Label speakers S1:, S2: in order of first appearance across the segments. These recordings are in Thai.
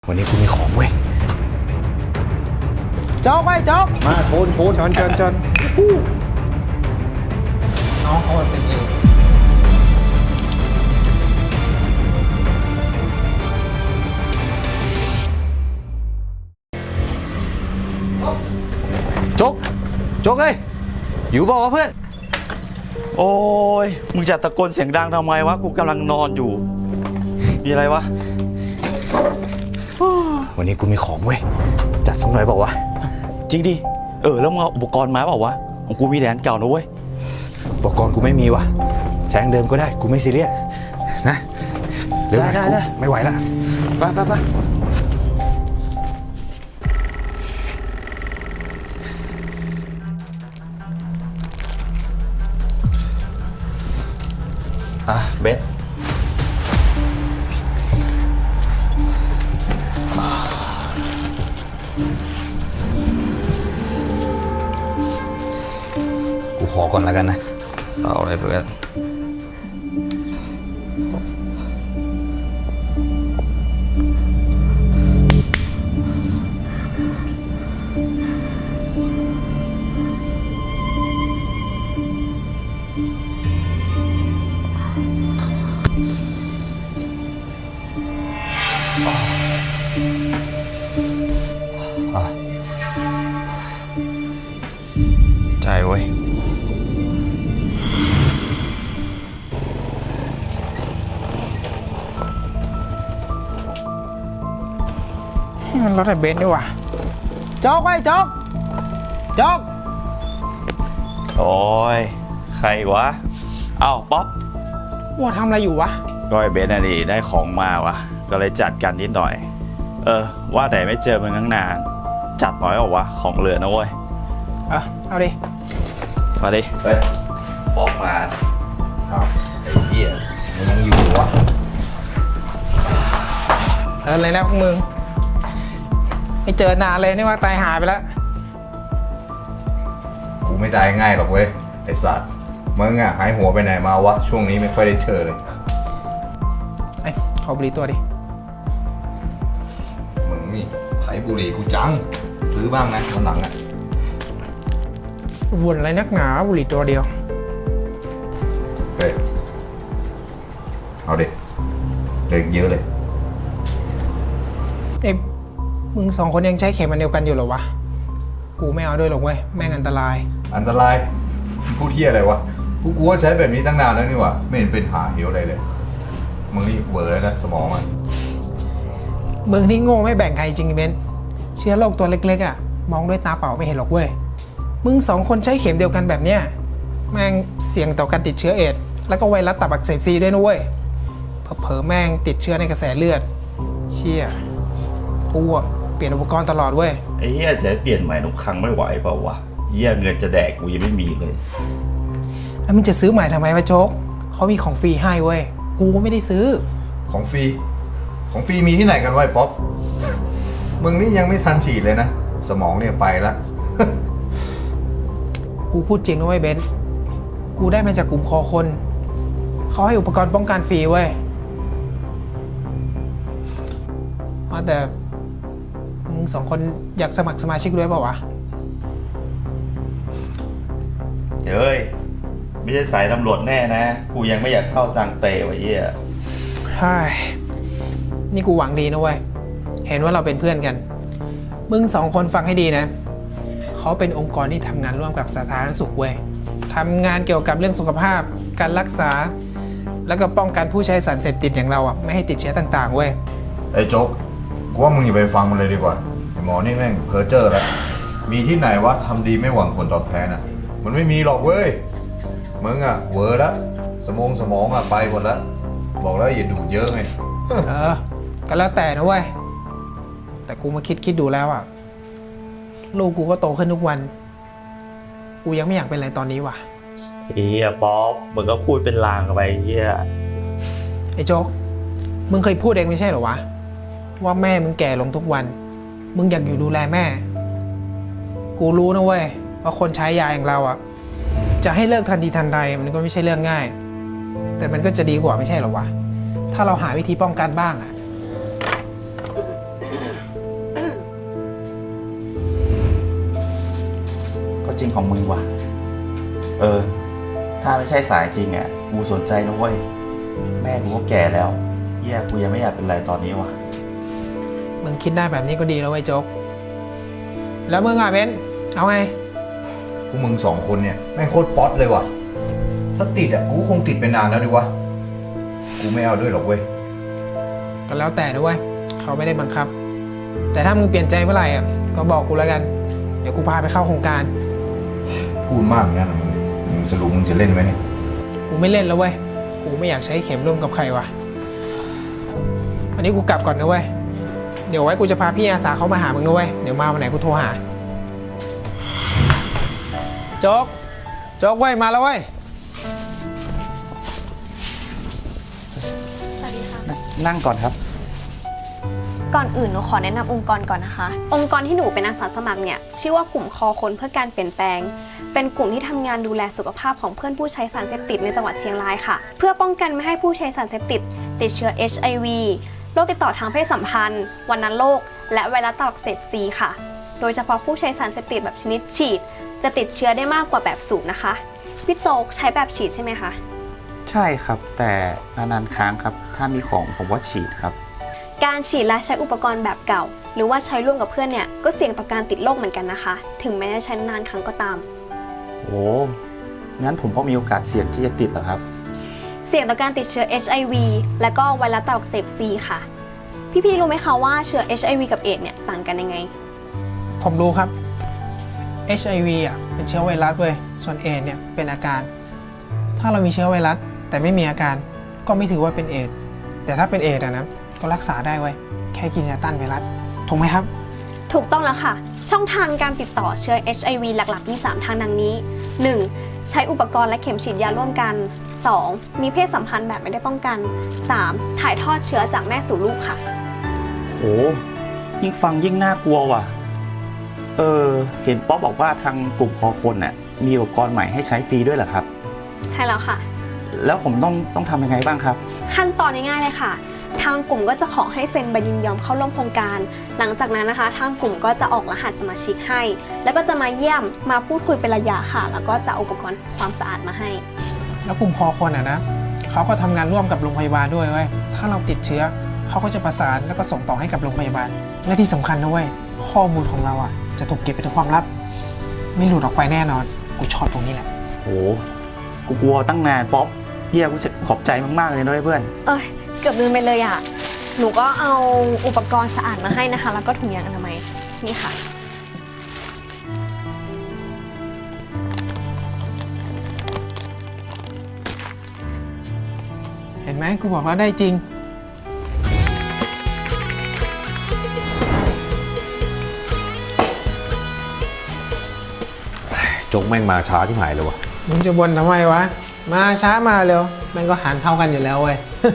S1: วันนี้กูมีของเว้ย
S2: โจ๊กไว้โจ๊ก
S1: มาชน
S2: น้องเขาเป็นเอง
S1: โจ๊กเอ้ยอยู่บอกว่าเพื่อน
S3: โอ้ยมึงจะตะโกนเสียงดังทำไมวะกูกำลังนอนอยู่มีอะไรวะ
S1: วันนี้กูมีของเว้ยจัดสักหน่อยบอกวะ
S3: จริงดิแล้วมึงเอาอุปกรณ์มาเปล่าวะของกูมีแดนเก่านะเว้ย
S1: อุปกรณ์กูไม่มีว่ะใช้เดิมก็ได้กูไม่ซีเรียสนะเร็วหน่อย
S3: ได้
S1: ไม่ไหวละ
S3: ไปเบส
S1: กูขอก่อนแล้วกันนะ
S3: เอาอะไรเพื่อนใจเว้ย
S2: มันรถไอ้เบนซ์ดีกว่าโจ๊กไว้โจ๊ก
S3: โอ้ยใครวะเอ้าป๊อป
S2: ว่าทำอะไรอยู่วะ
S3: ก็ไอ้เบสน่ะดิได้ของมาวะก็เลยจัดกันนิดหน่อยว่าแต่ไม่เจอมึงตั้งนานจัดหน่อยเหรอวะของเหลือนะเว้ย
S2: เอาดิ
S3: มาดิเฮ้ยบอกมา
S1: ไอ้เหี้ยมันยังอยู่วะ
S2: อะไรนะพวกมึงไม่เจอนานเลยนี่ว่าตายหายไปแล้ว
S4: กูไม่ตายง่ายหรอกเว้ยไอ้สัตว์มึงหายหัวไปไหนมาวะช่วงนี้ไม่ค่อยได้เจอเลย
S2: ขอบุหรี่ตัวดิ
S4: มึงนี่ไถบุหรี่กูจังซื้อบ้างนะวันหลัง
S2: วนอะไรนักหนาบุหรี่ตัวเดียว
S4: เฮ้ยเอาดิเด็กเยอะเลย
S2: มึงสองคนยังใช้เข็มอันเดียวกันอยู่เหรอวะกูไม่เอาด้วยหรอกเว้ยแม่งอันตราย
S4: พูดเที่ยอะไรวะกูว่าใช้แบบนี้ตั้งนานแล้วนี่วะไม่เห็นเป็นหาเหวอะไรเลยมึงนี่เวอร์แล้วนะสมองมัน
S2: มึงนี่โง่ไม่แบ่งใครจริงเบนเชื้อโรคตัวเล็กๆมองด้วยตาเปล่าไม่เห็นหรอกเว้ยมึงสองคนใช้เข็มเดียวกันแบบเนี้ยแม่งเสี่ยงต่อการติดเชื้อเอดส์แล้วก็ไวรัสตับอักเสบซีด้วยนะเว้ยเผลอแม่งติดเชื้อในกระแสเลือดเชี่ยกูเปลี่ยนอุปกรณ์ตลอดเว้ย
S3: ไอ้เหี้ยจะเปลี่ยนใหม่ทุกครั้งไม่ไหวเปล่าวะเหี้ยเงินจะแดกกูยังไม่มีเลย
S2: แล้วมึงจะซื้อใหม่ทำไมวะโจ๊กเขามีของฟรีให้เว้ยกูก็ไม่ได้ซื้อ
S4: ของฟรีมีที่ไหนกันวะป๊อปมึงนี่ยังไม่ทันฉีดเลยนะสมองเนี่ยไปแล้ว
S2: กูพูดจริงนะเว้ยเบนซ์กูได้มาจากกลุ่มคอคนเขาให้อุปกรณ์ป้องกันฟรีเว้ยแต่มึงสองคนอยากสมัครสมาชิกด้วยเปล่าวะ
S3: เฮ้ยไม่ใช่สายตำรวจแน่นะกูยังไม่อยากเข้าสังเตวะเหี้ย
S2: ใช่นี่กูหวังดีนะเว้ยเห็นว่าเราเป็นเพื่อนกันมึงสองคนฟังให้ดีนะเขาเป็นองค์กรที่ทำงานร่วมกับสาธารณสุขเว้ยทำงานเกี่ยวกับเรื่องสุขภาพการรักษาแล้วก็ป้องกันผู้ใช้สารเสพติดอย่างเราไม่ให้ติดเชื้อต่างๆเว้ย
S4: ไอ้โจ๊กกูว่ามึงอย่าไปฟังมันเลยดีกว่าไอ้หมอนี่แม่งเพ้อเจ้อแล้วมีที่ไหนวะทำดีไม่หวังผลตอบแทนมันไม่มีหรอกเว้ยมึงเวอร์ละสมองไปหมดแล้วบอกแล้วอย่าดูเยอะไง
S2: ก็แล้วแต่นะเว้ยแต่กูมาคิดดูแล้วลูกกูก็โตขึ้นทุกวันกูยังไม่อยากเป็นอะไรตอนนี้ว่ะ
S3: เฮียป๊อปมึงก็พูดเป็นลางไปเฮีย
S2: ไอ้โจ๊กมึงเคยพูดเองไม่ใช่เหรอวะว่าแม่มึงแก่ลงทุกวันมึงอยากอยู่ดูแลแม่กูรู้นะเว้ยว่าคนใช้ยาอย่างเราจะให้เลิกทันทีทันใดมันก็ไม่ใช่เรื่องง่ายแต่มันก็จะดีกว่าไม่ใช่เหรอวะถ้าเราหาวิธีป้องกันบ้าง
S3: จริงของมึงว่ะ ถ้าไม่ใช่สายจริงอ่ะกูสนใจนะเว้ยแม่กูก็แก่แล้วเฮียกูยังไม่อยากเป็นไรตอนนี้ว่ะ
S2: มึงคิดได้แบบนี้ก็ดีแล้วไอ้ยโจ๊ก แล้วมึงอ่ะเบนเอาไง
S4: พวกมึง2 คนเนี่ยแม่งโคตรป๊อตเลยว่ะ ถ้าติดอ่ะกูคงติดไปนานแล้วดิวะ กูไม่เอาด้วยหรอกเว้ย
S2: ก็แล้วแต่ด้วยเขาไม่ได้บังคับ แต่ถ้ามึงเปลี่ยนใจเมื่อไหร่อ่ะก็บอกกูแล้วกัน เดี๋ยวกูพาไปเข้าโครงการ
S4: พูดมากอย่างนั้นนะมึงสรุปมึงจะเล่นไหมเนี่ย
S2: กูไม่เล่นแล้วเว้ย กูไม่อยากใช้เข็มร่วมกับใครวะอันนี้กูกลับก่อนนะเว้ย เดี๋ยวไว้กูจะพาพี่อาสาเขามาหามึงนะเว้ย เดี๋ยวมาวันไหนกูโทรหา โจ๊ก โจ๊กเว้ยมาแล้วเว้ย
S5: สวัสดีค่ะ
S3: นั่งก่อนครับ
S5: ก่อนอื่นหนูขอแนะนำองค์กรก่อนนะคะ องค์กรที่หนูเป็นอาสาสมัครเนี่ยชื่อว่ากลุ่มคอคนเพื่อการเปลี่ยนแปลง เป็นกลุ่มที่ทำงานดูแลสุขภาพของเพื่อนผู้ใช้สารเสพติดในจังหวัดเชียงรายค่ะ เพื่อป้องกันไม่ให้ผู้ใช้สารเสพติดติดเชื้อ HIV โรคติดต่อทางเพศสัมพันธ์วัณโรคและไวรัสตับอักเสบซีค่ะ โดยเฉพาะผู้ใช้สารเสพติดแบบชนิดฉีด จะติดเชื้อได้มากกว่าแบบสูบนะคะพี่โจ๊กใช้แบบฉีดใช่ไหมคะ
S3: ใช่ครับ แต่นานๆครั้งครับ ถ้ามีของผมว่าฉีดครับ
S5: การฉีดและใช้อุปกรณ์แบบเก่า หรือว่าใช้ร่วมกับเพื่อนเนี่ยก็เสี่ยงต่อการติดโรคเหมือนกันนะคะ ถึงแม้จะใช้นานครั้งก็ตาม
S3: โอ้งั้นผมก็มีโอกาสเสี่ยงที่จะติดเหรอครับ
S5: เสี่ยงต่อการติดเชื้อ HIV และก็ไวรัสตับอักเสบซีค่ะ พี่ๆรู้ไหมคะว่าเชื้อ HIV กับเอดส์เนี่ยต่างกันยังไง
S2: ผมรู้ครับ HIV อ่ะเป็นเชื้อไวรัสเว้ย ส่วนเอดส์เนี่ยเป็นอาการ ถ้าเรามีเชื้อไวรัสแต่ไม่มีอาการก็ไม่ถือว่าเป็นเอดส์แต่ถ้าเป็นเอดส์อะนะก็รักษาได้เว้ย แค่กินยาต้านไวรัส ถูกไหมครับ
S5: ถูกต้องแล้วค่ะ ช่องทางการติดต่อเชื้อ HIV หลักๆ มี 3 ทางดังนี้ 1. ใช้อุปกรณ์และเข็มฉีดยาร่วมกัน 2. มีเพศสัมพันธ์แบบไม่ได้ป้องกัน 3. ถ่ายทอดเชื้อจากแม่สู่ลูกค่ะ
S3: โหยิ่งฟังยิ่งน่ากลัวว่ะ เห็นป๊อปบอกว่าทางกลุ่มคอคนน่ะมีอุปกรณ์ใหม่ให้ใช้ฟรีด้วยเหรอครับ
S5: ใช่แล้วค่ะ
S3: แล้วผมต้องทำยังไงบ้างครับ
S5: ขั้นตอนง่ายๆเลยค่ะ ทางกลุ่มก็จะขอให้เซ็นใบยินยอมเข้าร่วมโครงการ หลังจากนั้นนะคะ ทางกลุ่มก็จะออกรหัสสมาชิกให้ แล้วก็จะมาเยี่ยม มาพูดคุยเป็นระยะค่ะ แล้วก็จะเอาอุปกรณ์ความสะอาดมาให้
S2: แล้วกลุ่มพอคนอ่ะนะเขาก็ทำงานร่วมกับโรงพยาบาลด้วยเว้ย ถ้าเราติดเชื้อเขาก็จะประสานแล้วก็ส่งต่อให้กับโรงพยาบาล และที่สำคัญนะเว้ย ข้อมูลของเราอ่ะจะถูกเก็บเป็นความลับ ไม่หลุดออกไปแน่นอน กูชอบตรงนี้แหละ
S3: โหกูกลัวตั้งนานป๊อปเฮียกูจะขอบใจมากๆเลยนะเพื่อน
S5: เอ้ย เกือบลืมไปเลยอ่ะ หนูก็เอาอุปกรณ์สะอาดมาให้นะคะ แล้วก็ถุงยางอนามัย นี่ค่ะ
S2: เห็นไหมกูบอกว่าได้จริง
S1: โจ๊กแม่งมาช้าที่หายเลยวะ
S2: มึงจะบ่นทำไมวะ มาช้ามาเร็วแม่งก็หารเท่ากันอยู่แล้วเว้ย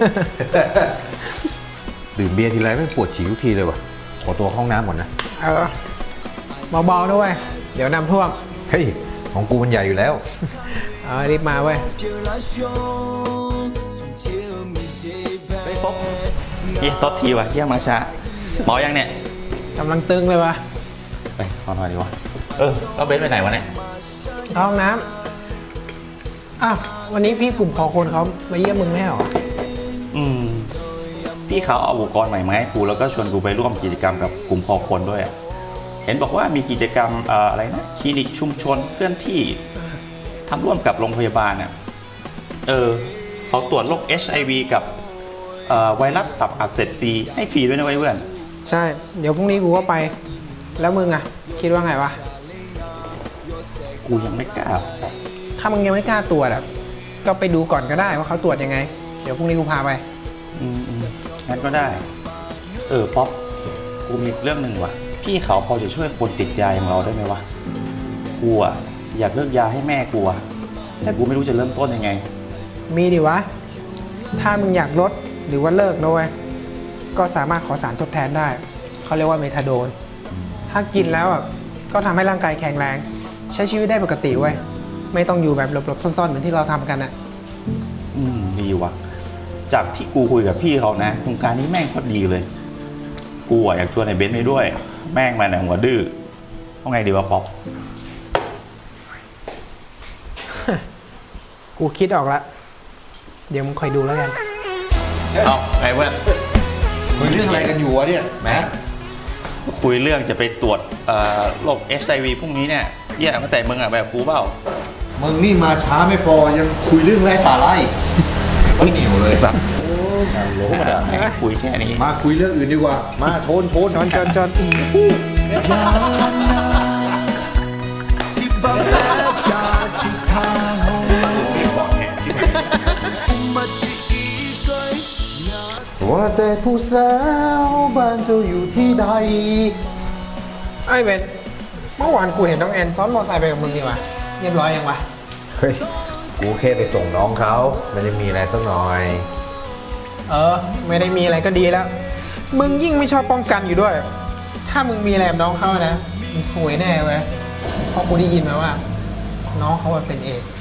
S1: ดื่มเบียร์ทีไรแม่งปวดฉี่ทุกทีเลยวะขอตัวเข้าห้องน้ำก่อนนะ
S2: เออเบาๆด้วยเดี๋ยวน้ำท่วม
S1: เฮ้ย ของกูมันใหญ่อยู่แล้ว
S2: รีบมาเว้ย
S3: ๆเฮ้ยป๊อปเฮียโทษทีว่ะเฮียมาช้าหมอยังเนี่ย
S2: กำลังตึงเลยวะ
S3: ไปขอหน่อยดีวะแล้วเบนไปไหนวะเนี่ย
S2: เข้าห้องน้ำอ้าววันนี้พี่กลุ่มพอคนเขามาเยี่ยมมึงไม่ใช่เหรอ
S3: พี่เขาเอาอุปกรณ์ใหม่มาให้กูแล้วก็ชวนกูไปร่วมกิจกรรมกับกลุ่มคอคนด้วยอะเห็นบอกว่ามีกิจกรรมอะไรนะคลินิกชุมชนเคลื่อนที่ทำร่วมกับโรงพยาบาลน่ะเขาตรวจโรค HIV กับไวรัสตับอักเสบซีให้ฟรีด้วยนะเพื่อน
S2: ใช่ เดี๋ยวพรุ่งนี้กูก็ไป แล้วมึงอะคิดว่าไงวะ
S3: กูยังไม่กล้า
S2: ถ้ามึงยังไม่กล้าตรวจอะก็ไปดูก่อนก็ได้ว่าเขาตรวจยังไง เดี๋ยวพรุ่งนี้กูพาไป
S3: งั้นก็ได้ป๊อปกูมีเรื่องหนึ่งว่ะพี่เขาพอจะช่วยคนติดยาอย่างเราได้ไหมวะกูอะอยากเลิกยาให้แม่กูอะแต่กูไม่รู้จะเริ่มต้นยังไง
S2: มีดิวะ ถ้ามึงอยากลดหรือว่าเลิกนะเว้ย ก็สามารถขอสารทดแทนได้ เขาเรียกว่าเมทาโดน ถ้ากินแล้วอ่ะก็ทำให้ร่างกายแข็งแรง ใช้ชีวิตได้ปกติเว้ย ไม่ต้องอยู่แบบหลบๆซ่อนๆเหมือนที่เราทำกันอ่ะ
S3: ดีว่ะจากที่กูคุยกับพี่เขานะโครงการนี้แม่งโคตรดีเลย กูอะอยากชวนไอ้เบนซ์ไปด้วย แม่งมันหัวดื้อต้องไงดีวะป๊อป
S2: กูคิดออกละเดี๋ยวมึงคอยดูแล้วกัน
S3: เอาไงเว้ย
S1: คุยเรื่องอะไรกันอยู่วะเนี่ยแม็ก
S3: คุยเรื่องจะไปตรวจโรค HIV พรุ่งนี้เนี่ยแย่ตั้งแต่มึงอ่ะแบบกูเปล่า
S4: มึงนี่มาช้าไม่พอยังคุยเรื่องไร้สาระอีกไม่เหนียวเลย
S3: สัตว์
S4: โหลมาด่า
S3: คุยแค่นี้
S4: มาคุยเรื่องอื่นดีกว่า มาโชน
S2: จอน
S4: ว่าแต่ผู้สาวบ้านเจ้าอยู่ที่ใด
S2: ไอ้เบนเมื่อวานกูเห็นน้องแอนซ้อนมอไซค์ไปกับมึงนี่วะเรียบร้อยยังวะ
S4: เฮ้ย กูแค่ไปส่งน้องเขามันจะมีอะไรสักหน่อย
S2: ไม่ได้มีอะไรก็ดีแล้ว มึงยิ่งไม่ชอบป้องกันอยู่ด้วย ถ้ามึงมีอะไรกับน้องเขานะมึงสวยแน่เว้ยเพราะกูได้ยินมาว่า น้องเขาเป็นเอดส์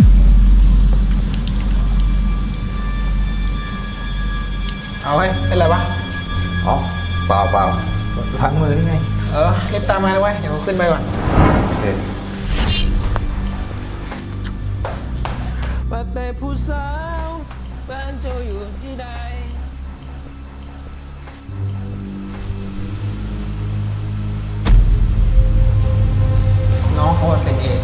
S2: เอาไว้เป็นไรวะ
S4: อ๋อ เปล่าพังมือนี่ไง
S2: รีบตามมาเลยเว้ยเดี๋ยวกูขึ้นไปก่อน
S4: เฮ้ย
S2: ว่าแต่ผู้สาวบ้านเจ้าอยู่ที่ใดน้องเขาเป็นเอดส์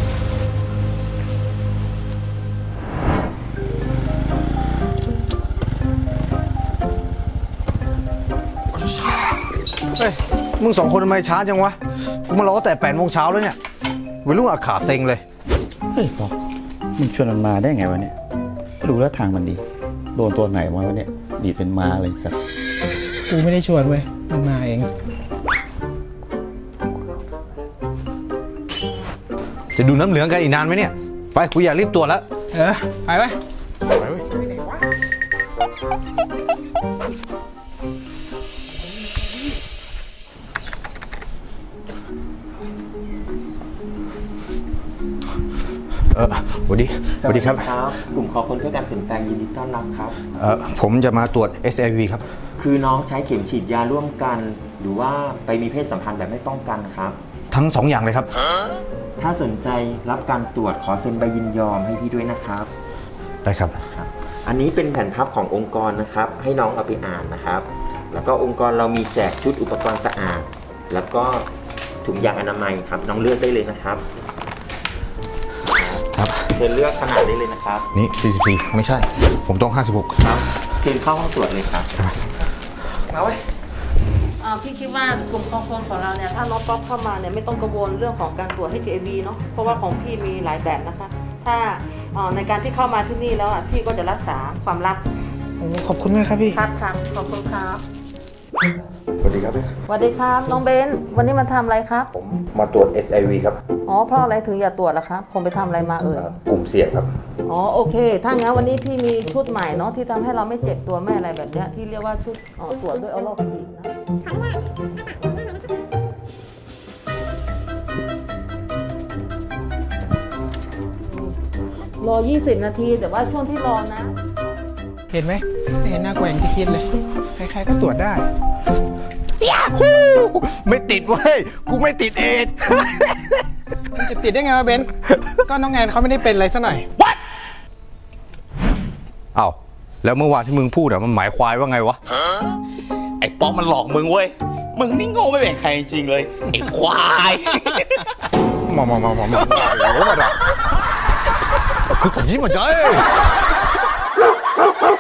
S1: เฮ้ย มึงสองคนทำไมช้าจังวะ กูมารอแต่8 โมงเช้าแล้วเนี่ยวัยรุ่นอาขาเซ็งเลย
S3: เฮ้ยบอกมึงชวนมันมาได้ไงวะเนี่ยดูแล้วทางมันดี โดนตัวไหนมาวะเนี่ยดีดเป็นม้าเลยสัตว์
S2: กูไม่ได้ชวนเว้ยมันมาเอง
S1: จะดูน้ำเหลืองกันอีกนานไหมเนี่ย ไป กูอยากรีบตรวจแล้ว
S2: ไปไว้
S1: ไปเว้ยสวัสดีครับ
S6: กลุ่มขอคนเพื่อการเปลี่ยนแปลงยินดีต้อนรับครับ
S1: ผมจะมาตรวจ SIV ครับ
S6: คือน้องใช้เข็มฉีดยาร่วมกัน หรือว่าไปมีเพศสัมพันธ์แบบไม่ป้องกันครับ
S1: ทั้ง 2 อย่างเลยครับ
S6: ถ้าสนใจรับการตรวจขอเซ็นใบยินยอมให้พี่ด้วยนะครับ
S1: ได้ครับ
S6: ครับ อันนี้เป็นแผ่นพับขององค์กรนะครับ ให้น้องเอาไปอ่านนะครับ แล้วก็องค์กรเรามีแจกชุดอุปกรณ์สะอาด แล้วก็ถุงยางอนามัยครับ น้องเลือกได้เลยนะครับ
S1: ครับ
S6: เชิญเลือกขนาดได้เลยนะครับ
S1: นี่ 44 ไม่ใช่ ผมต้อง 56
S6: ครับเชิญเข้าห้องตรวจเลยครับ
S2: มาไว้
S7: พี่คิดว่ากลุ่มคอคนของเราเนี่ยถ้าน้องป๊อปเข้ามาเนี่ยไม่ต้องกังวลเรื่องของการตรวจ HIV เนาะเพราะว่าของพี่มีหลายแบบนะคะ ถ้าในการที่เข้ามาที่นี่แล้วพี่ก็จะรักษาความลับ
S2: ขอบคุณมากครับพี่
S7: ครับขอบคุณครับ
S4: สวัสดีครับ
S7: สวัสดีครับน้องเบนวันนี้มาทำอะไรครับ
S4: ผมมาตรวจ SIV ครับ
S7: อ๋อเพราะอะไรถึงอย่าตรวจล่ะครับผมไปทำอะไรมาเอ่ย
S4: กลุ่มเสี่ยงครับ
S7: อ๋อโอเค ถ้างั้นวันนี้พี่มีชุดใหม่เนาะที่ทำให้เราไม่เจ็บตัวไม่อะไรแบบเนี้ยที่เรียกว่าชุดตรวจด้วยออโลคลิกนะรอ 20 นาทีแต่ว่าช่วงที่รอนะ
S2: เห็นไหมไม่เห็นน่ากลัวอย่างที่คิดเลย ใครๆก็ตรวจได้
S1: ไม่ติดเว้ย กูไม่ติดเอดส์
S2: มันจะติดได้ไงวะเบนก็น้องแอนเขาไม่ได้เป็นอะไรซะหน่อย
S1: เอ้าแล้วเมื่อวานที่มึงพูดอะมันหมายควายว่าไงวะ
S3: ไอ้ป๊อกมันหลอกมึงเว้ยมึงนี่โง่ไม่แบ่งใครจริงๆเลยไอ้ควาย
S1: มาคือผมยิ้มมาใจ